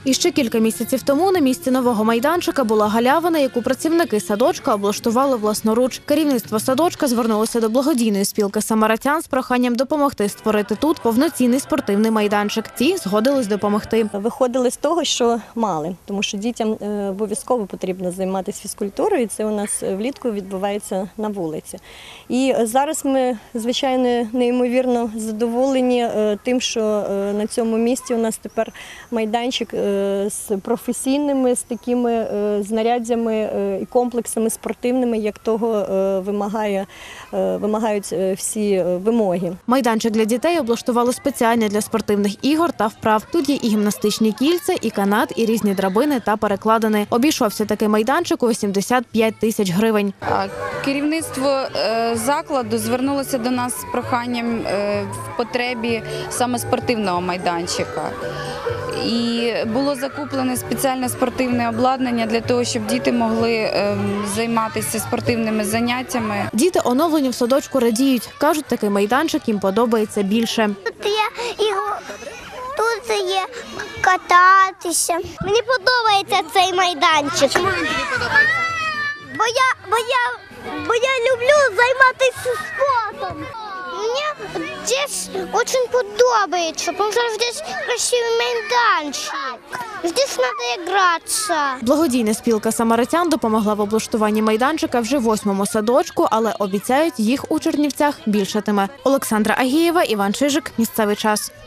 І ще кілька місяців тому на місці нового майданчика була галявина, яку працівники садочка облаштували власноруч. Керівництво садочка звернулося до благодійної спілки самаритян з проханням допомогти створити тут повноцінний спортивний майданчик. Ті згодились допомогти. Виходили з того, що мали, тому що дітям обов'язково потрібно займатися фізкультурою, і це у нас влітку відбувається на вулиці. І зараз ми, звичайно, неймовірно задоволені тим, що на цьому місці у нас тепер майданчик з професійними, з такими знаряддями і комплексами спортивними, як того вимагають всі вимоги. Майданчик для дітей облаштували спеціально для спортивних ігор та вправ. Тут є і гімнастичні кільця, і канат, і різні драбини та перекладини. Обійшовся такий майданчик у 85 тисяч гривень. Керівництво закладу звернулося до нас з проханням в потребі саме спортивного майданчика. І було закуплене спеціальне спортивне обладнання для того, щоб діти могли займатися спортивними заняттями. Діти оновлені в садочку радіють. Кажуть, такий майданчик їм подобається більше. Тут є кататися. Мені подобається цей майданчик. Чому він тобі подобається? Бо я люблю займатися спортом. Мені здесь очень подобається, тому що здесь красивий майданчик. Здесь треба гратися. Благодійна спілка самаритян допомогла в облаштуванні майданчика вже 8-му садочку, але обіцяють, їх у Чернівцях більшатиме. Олександра Агієва, Іван Чижик. Місцевий час.